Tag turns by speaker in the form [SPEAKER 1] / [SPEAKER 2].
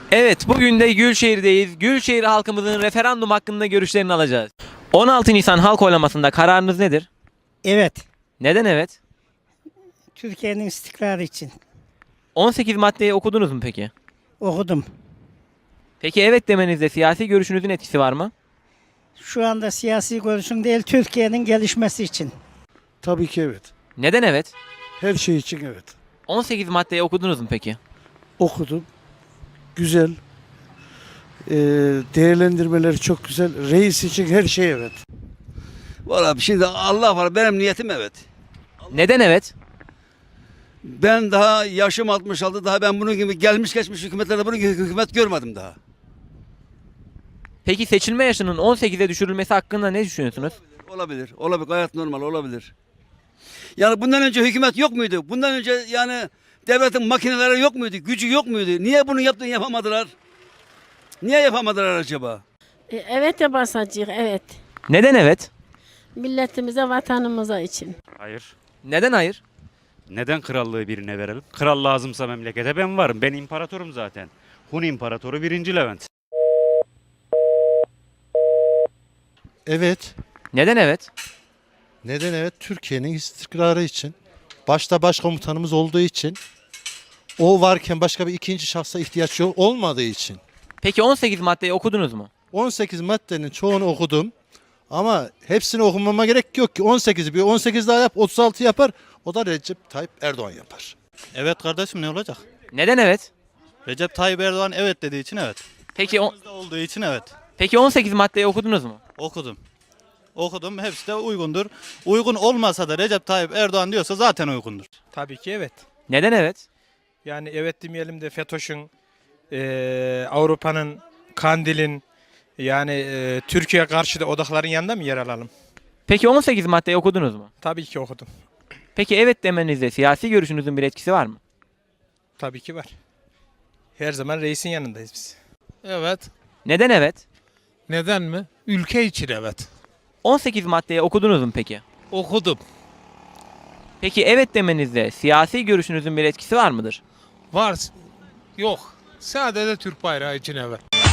[SPEAKER 1] Evet, bugün de Gülşehir'deyiz. Gülşehir halkımızın referandum hakkında görüşlerini alacağız. 16 Nisan halk oylamasında kararınız nedir?
[SPEAKER 2] Evet,
[SPEAKER 1] Neden evet?
[SPEAKER 2] Türkiye'nin istikrarı için
[SPEAKER 1] 18 maddeyi okudunuz mu peki?
[SPEAKER 2] okudum.
[SPEAKER 1] Peki evet demenizde siyasi görüşünüzün etkisi var mı?
[SPEAKER 2] Şu anda siyasi görüşüm değil, Türkiye'nin gelişmesi için.
[SPEAKER 3] Tabii ki evet.
[SPEAKER 1] Neden evet?
[SPEAKER 3] Her şey için evet.
[SPEAKER 1] 18 maddeyi okudunuz mu peki?
[SPEAKER 3] Okudum. Güzel. Değerlendirmeleri çok güzel. Reis için her şey evet.
[SPEAKER 4] Valla şimdi Allah var, benim niyetim evet.
[SPEAKER 1] Neden evet?
[SPEAKER 4] Ben daha yaşım 66, daha ben bunun gibi gelmiş geçmiş hükümetlerde bunun gibi hükümet görmedim daha.
[SPEAKER 1] Peki seçilme yaşının 18'e düşürülmesi hakkında ne düşünüyorsunuz?
[SPEAKER 4] Olabilir, olabilir, gayet normal olabilir. Yani bundan önce hükümet yok muydu? Bundan önce yani devletin makineleri yok muydu? Gücü yok muydu? Niye bunu yapamadılar? Niye yapamadılar acaba?
[SPEAKER 5] Evet de basacağız, evet.
[SPEAKER 1] Neden evet?
[SPEAKER 5] Milletimize, vatanımıza için.
[SPEAKER 6] Hayır.
[SPEAKER 1] Neden hayır?
[SPEAKER 6] Neden krallığı birine verelim? Kral lazımsa memlekete ben varım. Ben imparatorum zaten. Hun İmparatoru 1. Levent.
[SPEAKER 7] Evet.
[SPEAKER 1] Neden evet?
[SPEAKER 7] Neden evet? Türkiye'nin istikrarı için. Başta başkomutanımız olduğu için. O varken başka bir ikinci şahsa ihtiyaç yok olmadığı için.
[SPEAKER 1] Peki 18 maddeyi okudunuz mu?
[SPEAKER 7] 18 maddenin çoğunu okudum. Ama hepsini okumama gerek yok ki. 18'i bir 18 daha yap 36 yapar. O da Recep Tayyip Erdoğan yapar.
[SPEAKER 8] Evet kardeşim ne olacak?
[SPEAKER 1] Neden evet?
[SPEAKER 8] Recep Tayyip Erdoğan evet dediği için evet.
[SPEAKER 1] Peki
[SPEAKER 8] Bizde olduğu için evet.
[SPEAKER 1] peki 18 maddeyi okudunuz mu?
[SPEAKER 8] Okudum. Okudum. Hepsi de uygundur. Uygun olmasa da Recep Tayyip Erdoğan diyorsa zaten uygundur.
[SPEAKER 9] Tabii ki evet.
[SPEAKER 1] Neden evet?
[SPEAKER 9] Yani evet demeyelim de FETÖ'şün, Avrupa'nın, Kandil'in yani Türkiye karşı da odakların yanında mı yer alalım?
[SPEAKER 1] Peki 18 maddeyi okudunuz mu?
[SPEAKER 9] Tabii ki okudum.
[SPEAKER 1] Peki evet demenizde siyasi görüşünüzün bir etkisi var mı?
[SPEAKER 9] Tabii ki var. Her zaman reisin yanındayız biz.
[SPEAKER 10] Evet.
[SPEAKER 1] Neden evet?
[SPEAKER 10] Neden mi? Ülke için evet.
[SPEAKER 1] 18 maddeyi okudunuz mu peki?
[SPEAKER 10] Okudum.
[SPEAKER 1] Peki evet demenizde siyasi görüşünüzün bir etkisi var mıdır?
[SPEAKER 10] Var. Yok. Sadece Türk bayrağı için evet.